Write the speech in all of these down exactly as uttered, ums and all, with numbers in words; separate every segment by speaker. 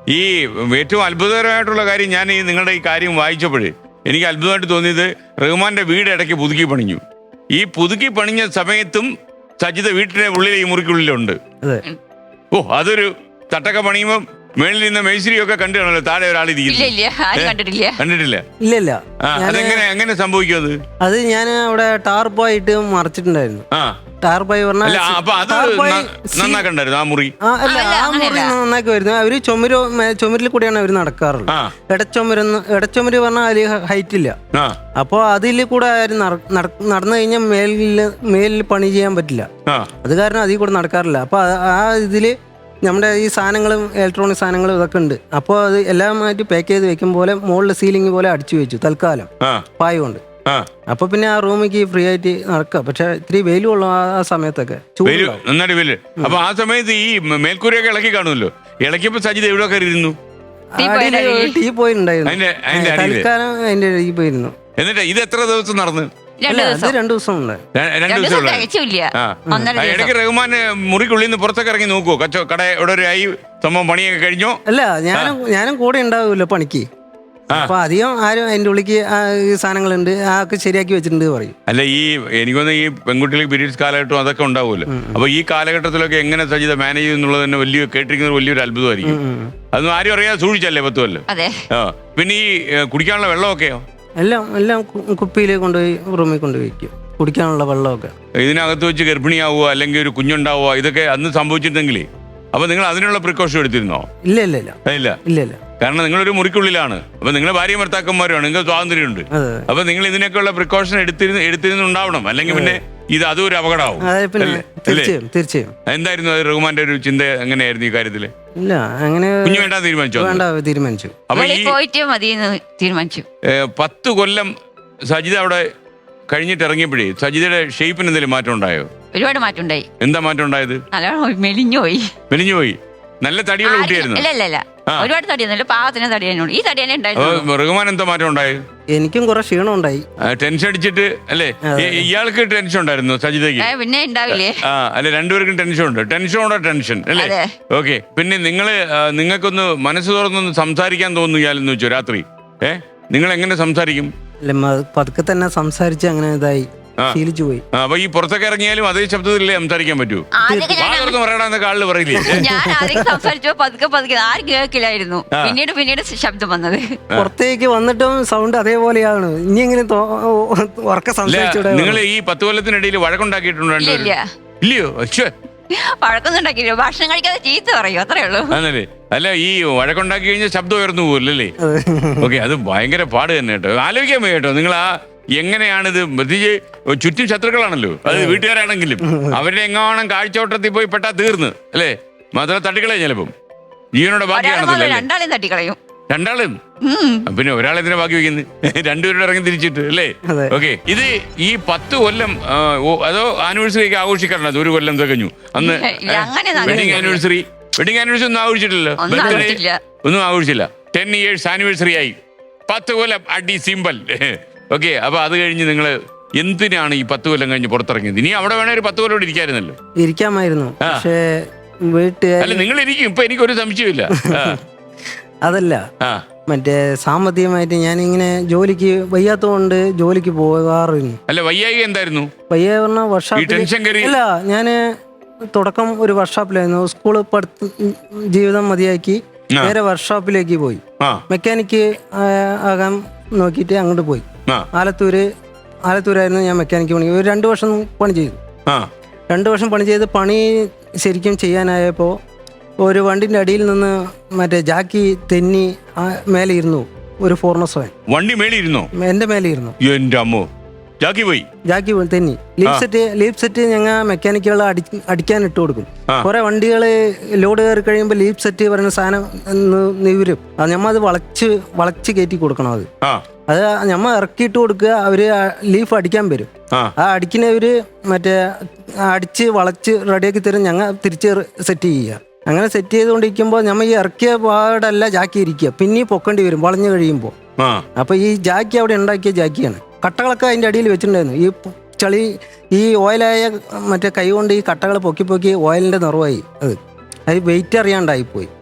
Speaker 1: ഈ ഏറ്റവും അത്ഭുതകരമായിട്ടുള്ള കാര്യം, ഞാൻ ഈ നിങ്ങളുടെ ഈ കാര്യം വായിച്ചപ്പോഴേ എനിക്ക് അത്ഭുതമായിട്ട് തോന്നിയത്, റഹ്മാന്റെ വീട് ഇടയ്ക്ക് പുതുക്കി പണിഞ്ഞു. ഈ പുതുക്കി പണിഞ്ഞ സമയത്തും സജിത വീട്ടിലെ ഉള്ളിൽ ഈ മുറിക്കുള്ളിലുണ്ട്. ഓ, അതൊരു തട്ടൊക്കെ പണിയുമ്പോ മേളിൽ നിന്ന് മേശ്രിയൊക്കെ കണ്ടു കാണല്ലോ, താഴെ ഒരാൾ കണ്ടിട്ടില്ല കണ്ടിട്ടില്ല
Speaker 2: ഇല്ല.
Speaker 1: അതെങ്ങനെ എങ്ങനെ സംഭവിക്കും അത്?
Speaker 2: അത് ഞാൻ അവിടെ ടാർപ്പായിട്ട് മറച്ചിട്ടുണ്ടായിരുന്നു.
Speaker 1: ആ
Speaker 2: ടാർപ്പായി പറഞ്ഞാൽ
Speaker 1: അപ്പൊ അത് നന്നാക്കണ്ടായിരുന്നു ആ മുറി.
Speaker 2: അല്ല, ആ മുറി നന്നാക്കി വരുന്നു. അവര് ചുമര് ചുമരിൽ കൂടെയാണ് അവര് നടക്കാറുള്ളത്. ഇടച്ചുമരെന്ന് ഇടച്ചുമര് പറഞ്ഞാൽ അതിൽ ഹൈറ്റ് ഇല്ല. അപ്പൊ അതിൽ കൂടെ ആരും നടന്നു കഴിഞ്ഞാൽ മേലില് മേലിൽ പണി ചെയ്യാൻ പറ്റില്ല. അത് കാരണം അതിൽ കൂടെ നടക്കാറില്ല. അപ്പൊ ആ ഇതില് നമ്മുടെ ഈ സാധനങ്ങളും ഇലക്ട്രോണിക് സാധനങ്ങളും ഇതൊക്കെ ഉണ്ട്. അപ്പോൾ അത് എല്ലാമായിട്ട് പാക്ക് ചെയ്ത് വെക്കും പോലെ മുകളിൽ സീലിംഗ് പോലെ അടിച്ചു വെച്ചു തൽക്കാലം പായ കൊണ്ട്. അപ്പൊ പിന്നെ ആ റൂമിക്ക് ഫ്രീ ആയിട്ട് നടക്കുക. പക്ഷെ ഇത്തിരി വെയിലും ഉള്ളു ആ സമയത്തൊക്കെ.
Speaker 1: നന്നായിട്ട് വെയില്. അപ്പൊ ആ സമയത്ത് ഈ മേൽക്കൂരയൊക്കെ ഇളക്കി കാണുമല്ലോ. ഇളക്കിയപ്പോ സജിത് എവിടെ കയറിയിരുന്നു?
Speaker 2: ടീ പോയിട്ടുണ്ടായിരുന്നു. തൽക്കാലം അതിന്റെ ടീ പോയിരുന്നു.
Speaker 1: എന്നിട്ട് ഇത് എത്ര ദിവസം നടന്നു?
Speaker 2: രണ്ടു ദിവസം
Speaker 1: ഇടയ്ക്ക് റഹ്മാൻ മുറിക്കുള്ളിൽ നിന്ന് പുറത്തൊക്കെ ഇറങ്ങി നോക്കുവോ? കച്ചോ കട ഇവിടെ ഒരു ആയി സംഭവം പണിയൊക്കെ കഴിഞ്ഞോ?
Speaker 2: അല്ല, ഞാനും ഞാനും കൂടെ ഉണ്ടാവൂല്ലോ പണിക്ക്. അപ്പൊ അധികം ആരും അതിന്റെ ഉള്ളിക്ക് സാധനങ്ങളുണ്ട്, ആ ഒക്കെ ശരിയാക്കി വെച്ചിട്ടുണ്ട് പറയും.
Speaker 1: അല്ല, ഈ എനിക്കൊന്ന് ഈ പെൺകുട്ടികൾക്ക് പീരീഡ്സ് കാലഘട്ടം അതൊക്കെ ഉണ്ടാവുമല്ലോ. അപ്പൊ ഈ കാലഘട്ടത്തിലൊക്കെ എങ്ങനെ സജിത മാനേജ് ചെയ്യുന്നുള്ളത് തന്നെ വലിയ കേട്ടിരിക്കുന്നത് വലിയൊരു അത്ഭുതമായിരിക്കും. അതൊന്നും ആരും അറിയാതെ സൂക്ഷിച്ചല്ലേ പത്ത് കൊല്ലം. പിന്നെ ഈ കുടിക്കാനുള്ള വെള്ളമൊക്കെയോ?
Speaker 2: എല്ലാം എല്ലാം കുപ്പിയിൽ കൊണ്ടുപോയി റൂമിൽ കൊണ്ടുപോയി വയ്ക്കും, കുടിക്കാനുള്ള വെള്ളമൊക്കെ.
Speaker 1: ഇതിനകത്ത് വെച്ച് ഗർഭിണിയാവുക അല്ലെങ്കിൽ ഒരു കുഞ്ഞുണ്ടാവുക ഇതൊക്കെ അന്ന് സംഭവിച്ചിട്ടുണ്ടെങ്കിലേ അപ്പൊ നിങ്ങൾ അതിനുള്ള പ്രിക്കോഷൻ എടുത്തിരുന്നോ?
Speaker 2: ഇല്ല ഇല്ല ഇല്ല
Speaker 1: ഇല്ല
Speaker 2: ഇല്ല ഇല്ല
Speaker 1: കാരണം നിങ്ങളൊരു മുറിക്കുള്ളിലാണ്. അപ്പൊ നിങ്ങളെ ഭാര്യ ഭർത്താക്കന്മാരുമാണ്, നിങ്ങൾക്ക് സ്വാതന്ത്ര്യമുണ്ട്. അപ്പൊ നിങ്ങൾ ഇതിനൊക്കെയുള്ള പ്രിക്കോഷൻ എടുത്തിരുന്ന് എടുത്തിരുന്നുണ്ടാവണം. അല്ലെങ്കിൽ പിന്നെ ഇത് അതും ഒരു അപകടമാവും.
Speaker 2: തീർച്ചയായും തീർച്ചയായും.
Speaker 1: എന്തായിരുന്നു അത് റഹ്മാന്റെ ഒരു ചിന്ത? എങ്ങനെയായിരുന്നു ഈ കാര്യത്തില്?
Speaker 2: ഇല്ല, അങ്ങനെ
Speaker 1: കുഞ്ഞു വേണ്ട തീരുമാനിച്ചു
Speaker 2: വേണ്ട തീരുമാനിച്ചു.
Speaker 1: അപ്പൊ തീരുമാനിച്ചു. പത്ത് കൊല്ലം സജിത അവിടെ കഴിഞ്ഞിട്ട് ഇറങ്ങിയപ്പോഴേ സജിതയുടെ ഷേപ്പിന് എന്തെങ്കിലും മാറ്റം ഉണ്ടായോ?
Speaker 3: ഒരുപാട് മാറ്റം ഉണ്ടായി.
Speaker 1: എന്താ മാറ്റം ഉണ്ടായത്?
Speaker 3: മെലിഞ്ഞു പോയി.
Speaker 1: മെലിഞ്ഞു പോയി. നല്ല തടിയുള്ള കുട്ടിയായിരുന്നു.
Speaker 3: ഒരുപാട് തടിയൊന്നുമില്ല, പാകത്തിന് തടിയായിരുന്നു. ഈ തടി തന്നെ ഉണ്ടായിരുന്നു.
Speaker 1: റഹ്മാൻ എന്താ മാറ്റം ഉണ്ടായത്?
Speaker 2: എനിക്കും കുറെ ക്ഷീണം ഉണ്ടായി.
Speaker 1: ടെൻഷൻ അടിച്ചിട്ട് അല്ലേ? ഇയാൾക്ക് ടെൻഷൻ ഉണ്ടായിരുന്നു സജിതയ്ക്ക്?
Speaker 3: പിന്നെ ഉണ്ടാവില്ലേ?
Speaker 1: ആ അല്ലെ, രണ്ടുപേർക്കും ടെൻഷൻ ഉണ്ട്. ടെൻഷനോടെ ടെൻഷൻ അല്ലേ? ഓക്കെ. പിന്നെ നിങ്ങള് നിങ്ങൾക്കൊന്ന് മനസ്സ് തുറന്നൊന്ന് സംസാരിക്കാൻ തോന്നുകയാലെന്ന് വെച്ചോ രാത്രി? ഏ നിങ്ങൾ എങ്ങനെ സംസാരിക്കും?
Speaker 2: പതുക്കെ തന്നെ സംസാരിച്ച് അങ്ങനെ ഇതായി ശീലിച്ചു പോയി.
Speaker 1: അപ്പൊ ഈ പുറത്തൊക്കെ ഇറങ്ങിയാലും അതേ ശബ്ദത്തിലേ സംസാരിക്കാൻ പറ്റൂ? പറയണമെന്ന് കാളില് പറയില്ലേ?
Speaker 3: ഞാൻ ആദ്യം സംസാരിച്ചോ പതുക്കെ പതുക്കെ ആരും കേൾക്കില്ലായിരുന്നു. പിന്നീട് പിന്നീട് ശബ്ദം വന്നത്.
Speaker 2: പുറത്തേക്ക് വന്നിട്ടും സൗണ്ട് അതേപോലെയാണ്. ഇനി എങ്ങനെ ഉറക്കെ സംസാരിച്ചൂടെ?
Speaker 1: നിങ്ങൾ ഈ പത്ത് കൊല്ലത്തിനിടയിൽ വഴക്കുണ്ടാക്കിയിട്ടുണ്ടോ? ഇല്ലയോ?
Speaker 3: വഴക്കൊന്നും ഉണ്ടാക്കിയില്ല. ഭക്ഷണം കഴിക്കാതെ ചീത്ത പറയും, അത്രേ ഉള്ളൂ.
Speaker 1: ആണല്ലേ? അല്ല, ഈ വഴക്കുണ്ടാക്കി കഴിഞ്ഞാൽ ശബ്ദം ഉയർന്നു പോകില്ലല്ലേ? ഓക്കെ, അത് ഭയങ്കര പാട് തന്നെ കേട്ടോ. ആലോചിക്കാൻ പോയി കേട്ടോ. നിങ്ങൾ ആ എങ്ങനെയാണിത്? പ്രത്യേകിച്ച് ചുറ്റും ശത്രുക്കളാണല്ലോ, അത് വീട്ടുകാരാണെങ്കിലും അവരുടെ എങ്ങാനും കാഴ്ചവട്ടത്തിൽ പോയി പെട്ടാ തീർന്ന് അല്ലേ? മാത്രം തട്ടിക്കളയും ചിലപ്പം ജീവനോടെ ബാക്കിയാണെന്നല്ലേ?
Speaker 3: രണ്ടാളും തട്ടിക്കളയും.
Speaker 1: രണ്ടാളും പിന്നെ ഒരാളെന്തിനാ ബാക്കി വെക്കുന്നത്? രണ്ടുപേരുടെ ഇറങ്ങി തിരിച്ചിട്ട് അല്ലേ? ഓക്കെ. ഇത് ഈ പത്ത് കൊല്ലം അതോ ആനിവേഴ്സറിക്ക് ആഘോഷിക്കാറുണ്ട്? അത് ഒരു കൊല്ലം തികഞ്ഞു അന്ന് വെഡിങ് ആനിവേഴ്സറി. വെഡിങ് ആനിവേഴ്സറി ഒന്നും ആഘോഷിച്ചിട്ടില്ലല്ലോ, ഒന്നും ആഘോഷിച്ചില്ല. ടെൻ ഇയേഴ്സ് ആനിവേഴ്സറി ആയി, പത്ത് കൊല്ലം അടി സിമ്പൽ. ഓക്കെ. അപ്പൊ അത് കഴിഞ്ഞ് നിങ്ങള് എന്തിനാണ് ഈ പത്ത് കൊല്ലം കഴിഞ്ഞ് പുറത്തിറങ്ങിയത്? ഇനി അവിടെ വേണേ ഒരു പത്ത് കൊല്ലം കൂടെ ഇരിക്കാമായിരുന്നല്ലോ.
Speaker 2: ഇരിക്കാമായിരുന്നു.
Speaker 1: അല്ല, നിങ്ങൾ ഇരിക്കും. ഇപ്പൊ എനിക്കൊരു സംശയമില്ല.
Speaker 2: അതല്ല, മറ്റേ സാമ്പത്തികമായിട്ട് ഞാൻ ഇങ്ങനെ ജോലിക്ക് വയ്യാത്തതുകൊണ്ട് ജോലിക്ക് പോകാറില്ല.
Speaker 1: അല്ല, വയ്യായി എന്തായിരുന്നു?
Speaker 2: വയ്യായി പറഞ്ഞ വർക്ക്ഷോപ്പിൽ അല്ല, ഞാന് തുടക്കം ഒരു വർക്ക്ഷോപ്പിലായിരുന്നു. സ്കൂള് പഠിത്ത ജീവിതം മതിയാക്കി നേരെ വർക്ക്ഷോപ്പിലേക്ക് പോയി. മെക്കാനിക്ക് ആകാൻ നോക്കിയിട്ട് അങ്ങോട്ട് പോയി. ആലത്തൂര് ആലത്തൂരായിരുന്നു ഞാൻ മെക്കാനിക്ക് പണി. ഒരു രണ്ടു വർഷം പണി ചെയ്തു. രണ്ടു വർഷം പണി ചെയ്ത് പണി ശരിക്കും ചെയ്യാനായപ്പോൾ ഒരു വണ്ടിന്റെ അടിയിൽ നിന്ന് മറ്റേ ജാക്കി തെന്നി മേലെ ഇരുന്നു. ഒരു ഫോർണസ് വാൻ
Speaker 1: വണ്ടി മേലെ ഇരുന്നോ?
Speaker 2: എന്റെ മേലെ ഇരുന്നു.
Speaker 1: എന്റെ അമ്മോ, ജാക്കി പോയി.
Speaker 2: ജാക്കി പോയി തെന്നി. ലീപ് സെറ്റ് ലീപ് സെറ്റ് ഞങ്ങൾ മെക്കാനിക്കുകൾ അടി അടിക്കാൻ ഇട്ട് കൊടുക്കും. കുറെ വണ്ടികള് ലോഡ് കയറി കഴിയുമ്പോൾ ലീപ് സെറ്റ് പറയുന്ന സാധനം നിവരും. ഞമ്മ അത് വളച്ച് വളച്ച് കയറ്റി കൊടുക്കണം. അത് അത് ഞമ്മ ഇറക്കിയിട്ട് കൊടുക്കുക. അവര് ലീഫ് അടിക്കാൻ വരും. ആ അടിക്കുന്നവര് മറ്റേ അടിച്ച് വളച്ച് റെഡിയാക്കി തരും. ഞങ്ങൾ തിരിച്ച് സെറ്റ് ചെയ്യുക. അങ്ങനെ സെറ്റ് ചെയ്തുകൊണ്ടിരിക്കുമ്പോൾ നമ്മൾ ഈ ഇറക്കിയ പാടല്ല ജാക്കി ഇരിക്കുക, പിന്നെ പൊക്കേണ്ടി വരും വളഞ്ഞു കഴിയുമ്പോൾ. അപ്പൊ ഈ ജാക്കി അവിടെ ഉണ്ടാക്കിയ ജാക്കിയാണ്. കട്ടകളൊക്കെ അതിന്റെ അടിയിൽ വെച്ചിട്ടുണ്ടായിരുന്നു. ഈ ചളി ഈ ഓയിലായ മറ്റേ കൈ കൊണ്ട് ഈ കട്ടകൾ പൊക്കി പൊക്കി ഓയിലിന്റെ നിറവായി. അത് അത് വെയിറ്റ് അറിയാണ്ടായിപ്പോയി.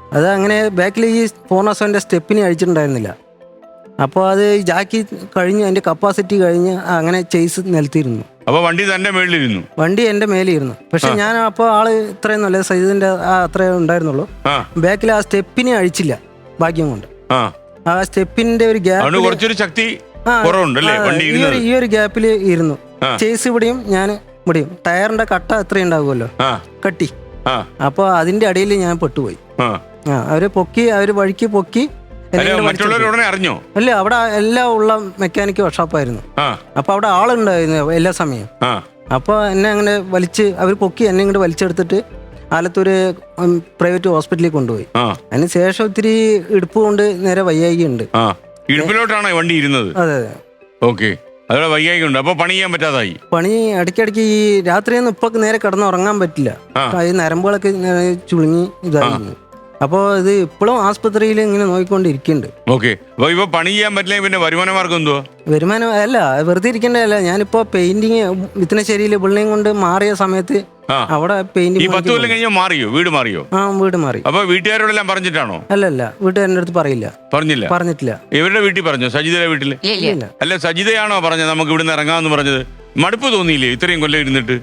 Speaker 2: അത് അങ്ങനെ ബാക്കിൽ ഈ ഫോർണസോൻ്റെ സ്റ്റെപ്പിന് അഴിച്ചിട്ടുണ്ടായിരുന്നില്ല. അപ്പോൾ അത് ജാക്കി കഴിഞ്ഞ് അതിൻ്റെ കപ്പാസിറ്റി കഴിഞ്ഞ് അങ്ങനെ ചെയ്സ് നിലത്തിരുന്നു.
Speaker 1: അപ്പോൾ വണ്ടി തന്റെ മേളിലിരുന്നു,
Speaker 2: വണ്ടി എൻ്റെ മേലിരുന്നു. പക്ഷെ ഞാൻ അപ്പോൾ ആള് ഇത്രയൊന്നും അല്ല, സൈദിന്റെ ആ അത്രേ ഉണ്ടായിരുന്നുള്ളൂ. ബാക്കിൽ ആ സ്റ്റെപ്പിനെ അഴിച്ചില്ല ഭാഗ്യം കൊണ്ട്. ആ സ്റ്റെപ്പിന്റെ ഒരു ഗ്യാപ്പ്
Speaker 1: കുറച്ചൊരു ശക്തി
Speaker 2: ഈ ഒരു ഗ്യാപ്പിൽ ഇരുന്നു. ചേസ് ഇവിടെയും ഞാൻ ഇവിടെയും. ടയറിന്റെ കട്ട എത്ര ഉണ്ടാവുമല്ലോ, കട്ടി. അപ്പൊ അതിന്റെ അടിയിൽ ഞാൻ പെട്ടുപോയി. ആ അവര് പൊക്കി, അവര് വഴിക്ക് പൊക്കി.
Speaker 1: അറിഞ്ഞോ?
Speaker 2: അല്ല, അവിടെ എല്ലാം ഉള്ള മെക്കാനിക് വർക്ക്ഷോപ്പായിരുന്നു. അപ്പൊ അവിടെ ആളുണ്ടായിരുന്നു എല്ലാ സമയം. അപ്പൊ എന്നെ അങ്ങനെ വലിച്ച് അവർ പൊക്കി എന്നെ ഇങ്ങോട്ട് വലിച്ചെടുത്തിട്ട് ആലത്തൂര് പ്രൈവറ്റ് ഹോസ്പിറ്റലിൽ കൊണ്ടുപോയി. അതിന് ശേഷം ഇത്തിരി ഇടുപ്പ് കൊണ്ട് നേരെ വയ്യായിക ഉണ്ട്.
Speaker 1: ഇടുപ്പിലോട്ടാണ് വണ്ടി ഇരുന്നത്?
Speaker 2: അതെ അതെ.
Speaker 1: ഓക്കെ. അതോടെ വയ്യായിക ഉണ്ട്. അപ്പൊ പണി ചെയ്യാൻ പറ്റാതായി.
Speaker 2: പണി ഇടയ്ക്കിടയ്ക്ക് ഈ രാത്രിയൊന്നും ഇപ്പൊ നേരെ കിടന്ന് ഉറങ്ങാൻ പറ്റില്ല. ഈ നരമ്പുകളൊക്കെ ചുളുങ്ങി ഇതായിരുന്നു. അപ്പോൾ ഇത് ഇപ്പോഴും ആസ്പത്രിയിൽ ഇങ്ങനെ നോക്കിക്കൊണ്ടിരിക്കുന്നുണ്ട്.
Speaker 1: ഓക്കെ. അപ്പൊ ഇപ്പൊ പണി ചെയ്യാൻ പറ്റില്ല, പിന്നെ വരുമാന മാർഗം എന്തുവാ?
Speaker 2: വരുമാനം അല്ല, വെറുതെ ഇരിക്കേണ്ടതല്ല. ഞാനിപ്പോ പെയിന്റിങ് വിത്തനശ്ശേരിയില് ബിൽഡിംഗ് കൊണ്ട് മാറിയ സമയത്ത് അവിടെ പെയിന്റിംഗ്.
Speaker 1: പത്ത് കൊല്ലം കഴിഞ്ഞാൽ മാറിയോ? വീട് മാറിയോ?
Speaker 2: ആ, വീട് മാറി.
Speaker 1: അപ്പൊ വീട്ടുകാരോടെല്ലാം പറഞ്ഞിട്ടാണോ?
Speaker 2: അല്ലല്ല, വീട്ടുകാരുടെ അടുത്ത് പറയില്ല.
Speaker 1: പറഞ്ഞില്ല?
Speaker 2: പറഞ്ഞിട്ടില്ല.
Speaker 1: ഇവരുടെ വീട്ടിൽ പറഞ്ഞോ? സജിതയുടെ വീട്ടില്? അല്ല, സജിതയാണോ പറഞ്ഞത് നമുക്ക് ഇവിടുന്ന് ഇറങ്ങാമെന്ന് പറഞ്ഞത്? മടുപ്പ് തോന്നിയില്ലേ ഇത്രയും കൊല്ലം ഇരുന്നിട്ട്?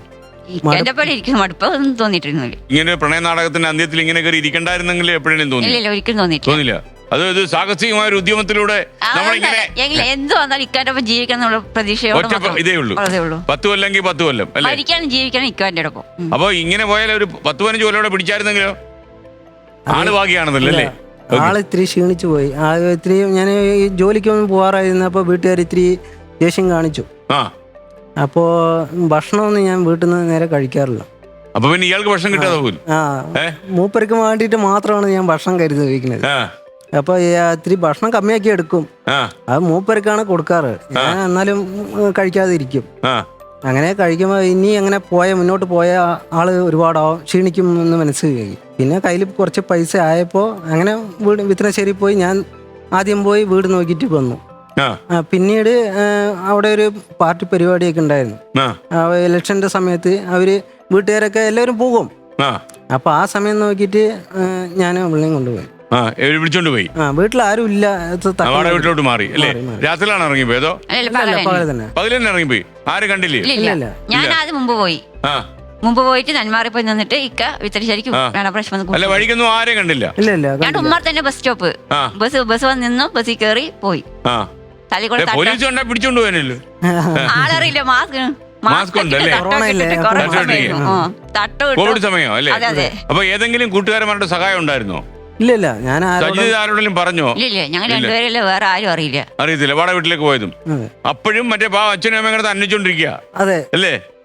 Speaker 1: ഇങ്ങനെ പ്രണയ നാടകത്തിന്റെ അന്ത്യത്തിൽ ഇങ്ങനെ കയറി ഇരിക്കണ്ടായിരുന്നെങ്കിൽ എപ്പോഴേലും തോന്നി? തോന്നില്ല. അത് ഇത് സാഹസികമായ ഒരു ഉദ്യമത്തിലൂടെ നമ്മളിങ്ങനെ
Speaker 3: എന്ത് വന്നാലും ഇക്കാന്റെ ജീവിക്കാന്നുള്ള പ്രതീക്ഷയോടെ
Speaker 1: ഇതേ ഉള്ളൂ. പത്ത് കൊല്ലെങ്കിൽ പത്ത് കൊല്ലം അല്ലേ
Speaker 3: ജീവിക്കണം ഇക്കാന്റെ ഒപ്പം.
Speaker 1: അപ്പൊ ഇങ്ങനെ പോയാൽ ഒരു പത്ത് പതിനഞ്ച് കൊല്ലോടെ പിടിച്ചായിരുന്നെങ്കിലോ? ആള് ഭാഗ്യാണെന്നല്ലേ?
Speaker 2: ആള് ഇത്തിരി ക്ഷീണിച്ചു പോയി. ഇത്തിരി ഞാൻ ജോലിക്കൊന്നും പോവാറായിരുന്നപ്പോ വീട്ടുകാർ ഇത്തിരി ദേഷ്യം കാണിച്ചു. അപ്പോ ഭക്ഷണമൊന്നും ഞാൻ വീട്ടിൽ നിന്ന് നേരെ കഴിക്കാറില്ല.
Speaker 1: അപ്പൊ പിന്നെ ഇയാൾക്ക് ഭക്ഷണം കിട്ടാതെ പോലും?
Speaker 2: ആ, മൂപ്പർക്ക് വേണ്ടിയിട്ട് മാത്രമാണ് ഞാൻ ഭക്ഷണം കരുതി വയ്ക്കുന്നത്. അപ്പൊ ഇത്തിരി ഭക്ഷണം കമ്മിയാക്കി എടുക്കും. അത് മൂപ്പർക്കാണ് കൊടുക്കാറ്. ഞാൻ എന്നാലും കഴിക്കാതെ ഇരിക്കും. അങ്ങനെ കഴിക്കുമ്പോ ഇനി അങ്ങനെ പോയ മുന്നോട്ട് പോയ ആള് ഒരുപാടാവും, ക്ഷീണിക്കും എന്ന് മനസ്സിലാക്കി. പിന്നെ കയ്യിൽ കുറച്ച് പൈസ ആയപ്പോ അങ്ങനെ വീട് വിത്തനശ്ശേരി പോയി. ഞാൻ ആദ്യം പോയി വീട് നോക്കിയിട്ട് വന്നു. പിന്നീട് അവിടെ ഒരു പാർട്ടി പരിപാടിയൊക്കെ ഉണ്ടായിരുന്നു. ഇലക്ഷന്റെ സമയത്ത് അവര് വീട്ടുകാരൊക്കെ എല്ലാവരും പോകും. അപ്പൊ ആ സമയം നോക്കിയിട്ട് ഞാൻ വിളിയും കൊണ്ടുപോയി.
Speaker 1: വിളിച്ചോണ്ട് പോയി.
Speaker 2: ആ, വീട്ടിൽ ആരും ഇല്ല.
Speaker 1: വീട്ടിലോട്ട് മാറി അല്ലേ? രാത്രിയിലാണ് ഇറങ്ങിപ്പോയതോ?
Speaker 2: പകല് തന്നെ.
Speaker 1: പകല് തന്നെ ഇറങ്ങിപ്പോയി. ആരും കണ്ടില്ലേ?
Speaker 3: ഞാൻ ആദ്യം മുമ്പ് പോയി. മുമ്പ് പോയിട്ട് നന്മാറി പോയി നിന്നിട്ട് ഇക്ക വിത്തനശ്ശേരിക്ക്
Speaker 1: അല്ല, വഴിക്കൊന്നും ആരെയും കണ്ടില്ല.
Speaker 3: ഞാൻ ഉമ്മാർ തന്നെ ബസ് സ്റ്റോപ്പ് ബസ് ബസ് വന്ന് നിന്നു, ബസ്സിൽ കയറി പോയി.
Speaker 1: പോലീസ് കണ്ടാ പിടിച്ചോണ്ട് പോകാനല്ലോ.
Speaker 3: ആളറിയില്ല, മാസ്ക്
Speaker 1: മാസ്ക് ഉണ്ടല്ലേ? കോവിഡ് സമയം അല്ലേ? അപ്പൊ ഏതെങ്കിലും കൂട്ടുകാരന്മാരുടെ സഹായം ഉണ്ടായിരുന്നോ?
Speaker 2: ഇല്ല, ഞാൻ
Speaker 1: ആരോടെങ്കിലും പറഞ്ഞോ?
Speaker 3: ഇല്ല, ഞങ്ങൾ രണ്ടുപേരല്ല, വേറെ ആരും അറിയില്ല.
Speaker 1: അറിയത്തില്ല. വാടക വീട്ടിലേക്ക് പോയതും അപ്പോഴും മറ്റേ അച്ഛനും അമ്മയും കൂടെ അന്വേഷിച്ചോണ്ടിരിക്കുക
Speaker 2: അതെ
Speaker 1: അല്ലേ?